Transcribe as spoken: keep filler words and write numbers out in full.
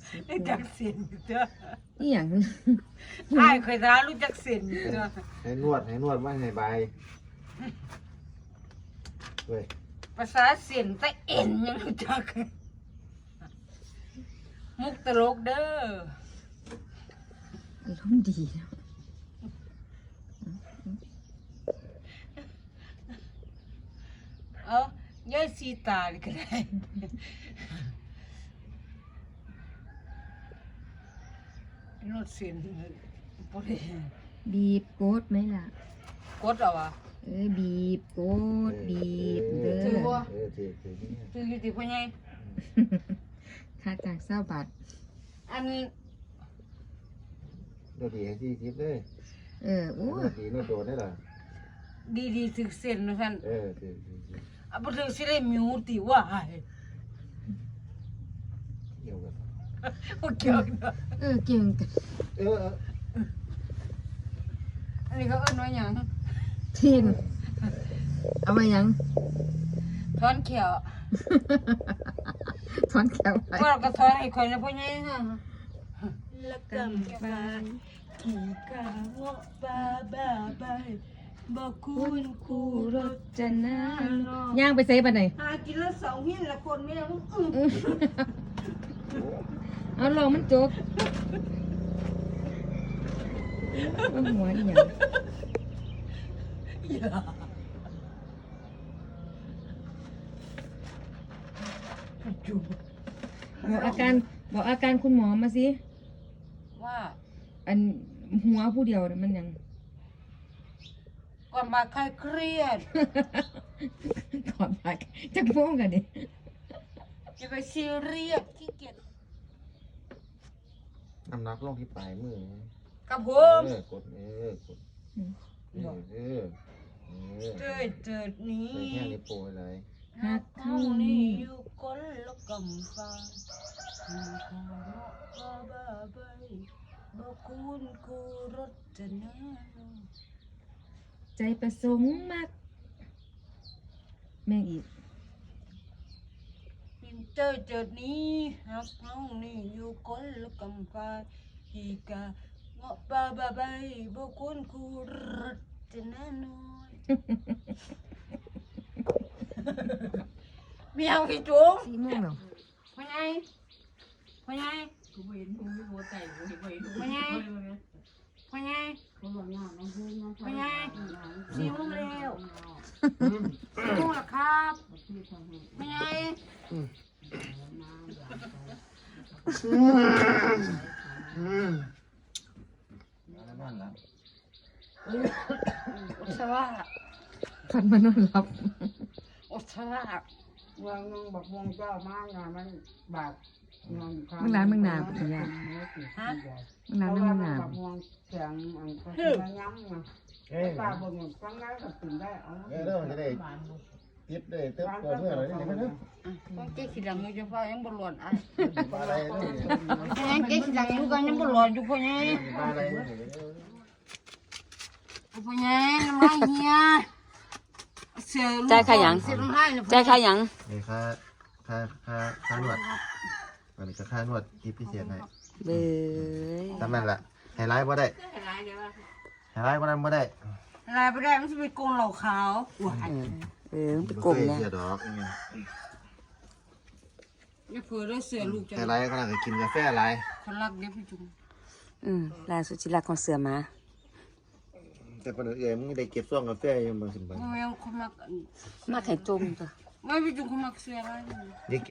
สิบรู้จักเส้นเด้ออีหยังอ้ายเคยทารู้จักเส้นเด้อให้นวดให้นวดว่าให้ใบเว้ยภาษาเส้นแต่เอ็นยังรู้จักมุกตลกเด้ออารมณ์ดีเนาะเอาย่อยสีตาเลยก็ได้นวดเส้นบ่ได้บีบโกดไหมล่ะกดเอาวะเอ้ยบีบโกดบีบเด้ถืออบ่เออถือถือนี่ถืออยู่ติพ่อใหญ่ค่าจากเศร้าบาทอันนวดดีให้ที่ทิพย์เลยเออโอ้นวดดีนวดโดนได้หรอดีๆถึกเส้นนะท่านเออถือถือถืออ่ะบ่ถึกสิได้มิวติว่าเกี่ยวกันบ่เกี่ยวกันเนอะเออเก่งกันเออเอออันนี้เขาเอิ้นว่าหยังเทียนเอามายังถอนเขียวถอนแขวไปว่าเราก็ถอนให้คนนะพ่อใหญ่ฮะละกำบานขี่กาเงาะบาบาบายบ่คุณคู่รถจะน่าย่างไปเซฟไปไหนหากินละสองหินละคนไม่ได้อื้อเอาลองมันจกว่าหัวอีหยังอย่าจุบบอกอาการบอกอาการคุณหมอมาสิว่าอันหัวผู้เดียวน่ะมันหยังก่อนมาใครเครียดถอดปากจักโป้งกันดิจะไปซีเรียสขี้เกียจน้ำหนักลงที่ปลายมือกับผเอมอกดเออกดเออเออเออเจิดเจิดนี้ไปแค่นี้โปรยเลยหักเท่านี้อยู่ก้นละกำฟ้ามีขอเนาะก็บ้าใบบ่คุณกูรถจะน่าใจประสงค์มากแม่งอีกเป็นเจิดเจิดนี้หักเท่านี้อยู่ก้นละกำฟ้าอีกาเงาะบ้าบ้าใบบ่คุณกูรถจะน่าน้อย มีเอาขี้จุ๊บสี่โมงแล้วพ่อใหญ่พ่อใหญ่กูเห็นมึงไม่โมใจกูเห็นพ่อใหญ่พ่อใหญ่พ่อใหญ่พ่อใหญ่สี่โมงแล้วสี่โมงแล้วครับพ่อใหญ่แล้วนอนหลับอุศวะพันมานอนหลับอุศวะวางงบักวงเจ้ามากงานมันบาดงานมึงร้านมึงหนาปุญญาฮะมึงร้านมึงหนาบักวงเสียงอันก็ย้ำนะเอ้ยป้าบอกว่าฟังได้ก็ตื่นได้เอาเออเรื่องจะได้ทิพย์ได้เติมตัวเมื่อไรนี่มันเนาะต้องเจ๊ขี้หลังอยู่ฟ้ายังบหลอนอ่ะมาอะไรนี่พ่อใหญ่เจ๊ขี้หลังอยู่กันยังบหลอนอยู่พ่อใหญ่มาอะไรนี่พ่อใหญ่น้ำลายเฮียเสือลูกใจใครยังเสือน้ำลายเนี่ยใจใครยังนี่ค่าค่าค่าค่านวดอันนี้ก็ค่านวดทิพย์พิเศษให้เบ้ยทำนั่นแหละไฮไลท์บ่ได้ไฮไลท์บ่นั้นบ่ได้ลายไปได้มันจะเป็นกงเหล่าขาวว้ายเออไปกลมเลเนี่ยเสียดอกอย่าเผื่อได้เสือลูกจะไฮไลท์ก็น่าจะกินกาแฟอะไรคนรักเด็กพี่จุ๋มอืมลายสุจิรักของเสือมาแต่คนอื่นมึงได้เก็บซ่วงกาแฟยังบ่สิบ่ไม่เอาคนรักมาไข่จมจ้ะไม่พี่จุ๋มคนรักเสืออะไรเด็ก